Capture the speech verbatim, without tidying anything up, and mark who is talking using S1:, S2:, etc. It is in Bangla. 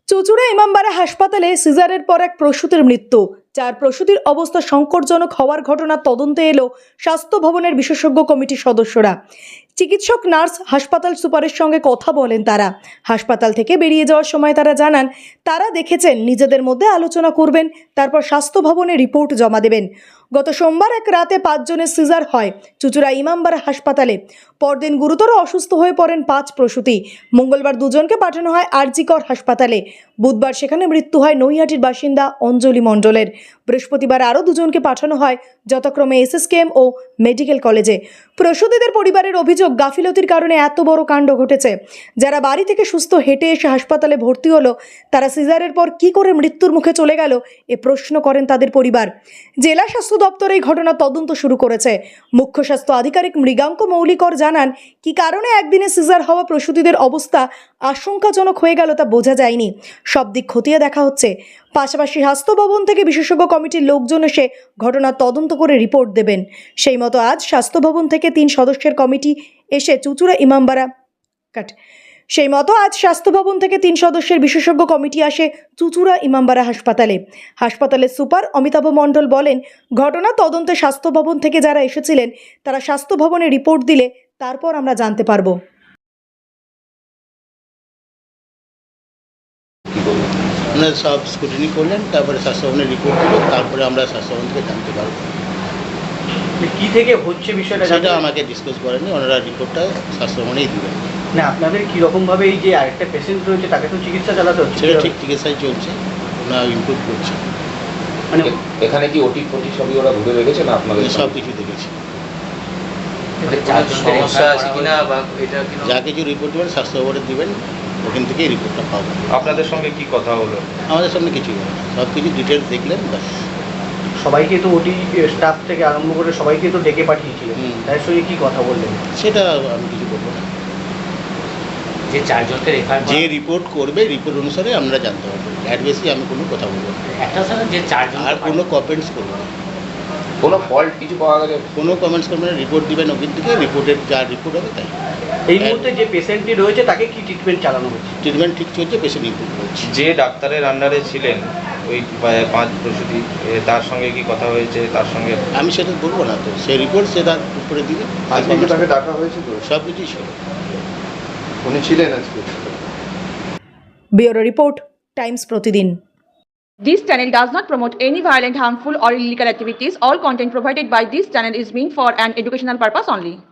S1: চুঁচুড়া ইমামবাড়া হাসপাতালে সিজারের পর এক প্রসূতির মৃত্যু। চার প্রসূতির অবস্থা সংকটজনক হওয়ার ঘটনার তদন্তে এলো স্বাস্থ্য ভবনের বিশেষজ্ঞ কমিটির সদস্যরা। চিকিৎসক, নার্স, হাসপাতাল সুপারের সঙ্গে কথা বলেন তারা। হাসপাতাল থেকে বেরিয়ে যাওয়ার সময় তারা জানান তারা দেখেছেন, নিজেদের মধ্যে আলোচনা করবেন, তারপর স্বাস্থ্য ভবনে রিপোর্ট জমা দেবেন। গত সোমবার এক রাতে পাঁচজনের সিজার হয় চুঁচুড়া ইমামবাড়া হাসপাতালে। পরদিন গুরুতর অসুস্থ হয়ে পড়েন পাঁচ প্রসূতি। মঙ্গলবার দুজনকে পাঠানো হয় আরজিকর হাসপাতালে। বুধবার সেখানে মৃত্যু হয় নৈহাটির বাসিন্দা অঞ্জলি মণ্ডলের। বৃহস্পতিবার আরও দুজনকে পাঠানো হয় যথাক্রমে এসএসকেএম ও মেডিকেল কলেজে। প্রসূতিদের পরিবারের অভিযোগ, গাফিলতির কারণে এত বড় কাণ্ড ঘটেছে। যারা বাড়ি থেকে সুস্থ হেঁটে এসে হাসপাতালে ভর্তি হলো, তারা সিজারের পর কি করে মৃত্যুর মুখে চলে গেল, এ প্রশ্ন করেন তাদের পরিবার। জেলা স্বাস্থ্য দপ্তর এই ঘটনা তদন্ত শুরু করেছে। মুখ্য স্বাস্থ্য আধিকারিক মৃগাঙ্ক মৌলিকর জানান, কি কারণে একদিনে সিজার হওয়া প্রসূতিদের অবস্থা আশঙ্কাজনক হয়ে গেল তা বোঝা যায়নি। সব দিক খতিয়ে দেখা হচ্ছে। পাশাপাশি স্বাস্থ্য ভবন থেকে বিশেষজ্ঞ কমিটির লোকজন এসে ঘটনার তদন্ত করে রিপোর্ট দেবেন। সেই মতো আজ স্বাস্থ্য ভবন থেকে তিন সদস্যের কমিটি এসে চুঁচুড়া ইমামবাড়া কাট সেই মতো আজ স্বাস্থ্য ভবন থেকে তিন সদস্যের বিশেষজ্ঞ কমিটি আসে চুঁচুড়া ইমামবাড়া হাসপাতালে। হাসপাতালের সুপার অমিতাভ মণ্ডল বলেন, ঘটনা তদন্তে স্বাস্থ্য ভবন থেকে যারা এসেছিলেন তারা স্বাস্থ্য ভবনে রিপোর্ট দিলে তারপর আমরা জানতে পারবো।
S2: আপনারা সব স্ক্রুটিনি করলেন, তারপরে স্বাস্থ্যভবনের রিপোর্ট দিল, তারপরে আমরা স্বাস্থ্যভবন থেকে জানতে পারবো
S3: কি থেকে হচ্ছে বিষয়টা।
S2: সেটা আমাকে ডিসকাস করেনি, ওনারা রিপোর্টটা স্বাস্থ্যভবনেই দিবেন।
S3: না, আপনাদের কীরকমভাবে এই যে আরেকটা পেশেন্ট রয়েছে তাকে তো চিকিৎসা চালাতে হচ্ছে,
S2: সেটা ঠিক চিকিৎসায় চলছে, ওনারা ইমপ্রুভ করছে।
S3: মানে
S4: এখানে কি ওটি ফটি সবই ওরা ঘুরে রেখেছে না আপনাদের?
S2: সব কিছু দেখেছি।
S4: সমস্যা আছে কিনা বা এটা
S2: যা কিছু রিপোর্ট দেবেন স্বাস্থ্যভবনে দিবেন, ওখান থেকেই রিপোর্টটা পাবো।
S4: আপনাদের সঙ্গে কি কথা হলো?
S2: আমাদের সামনে কিছুই হবে না, সব কিছু ডিটেলস দেখলেন ব্যাস।
S3: সবাইকে তো ওটি স্টাফ থেকে আরম্ভ করে সবাইকে তো ডেকে পাঠিয়েছিলেন, তার সঙ্গে কি কথা বললেন?
S2: সেটা আমি কিছু বলবো না।
S5: যে চারজনকে রেফার
S2: যে রিপোর্ট করবে রিপোর্ট অনুসারে আমরা জানতে পারবো, এর বেশি আমি কোনো কথা বলবো না।
S5: একটা স্যার যে চারজন
S2: আর কোনো কমেন্টস করবো না,
S4: কোনো ফল্ট কিছু পাওয়া গেছে?
S2: কোনো কমেন্টস করবেন না, রিপোর্ট দিবেন ওখান থেকে, রিপোর্টের যা রিপোর্ট হবে তাই।
S3: এই মুহূর্তে যে পেশেন্টটি রয়েছে তাকে কি ট্রিটমেন্ট চালানো হচ্ছে?
S2: ট্রিটমেন্ট ঠিক চলছে, পেশেন্ট ইমপ্রুভ করছে।
S4: যে ডাক্তারের আন্ডারে ছিলেন ওই পাঁচ প্রসূতি, তার সঙ্গে কি কথা হয়েছে? তার সঙ্গে
S2: আমি সেটা বলবো না, তো সেই রিপোর্ট সে তার উপরে দিবে।
S6: আজকে কি তাকে ডাকা হয়েছে? তো
S2: সব কিছুই ছিল,
S6: উনি ছিলেন আজকে।
S1: Bureau report, Times Pratidin.
S7: This channel does not promote any violent, harmful or illegal activities. All content provided by this channel is meant for an educational purpose only.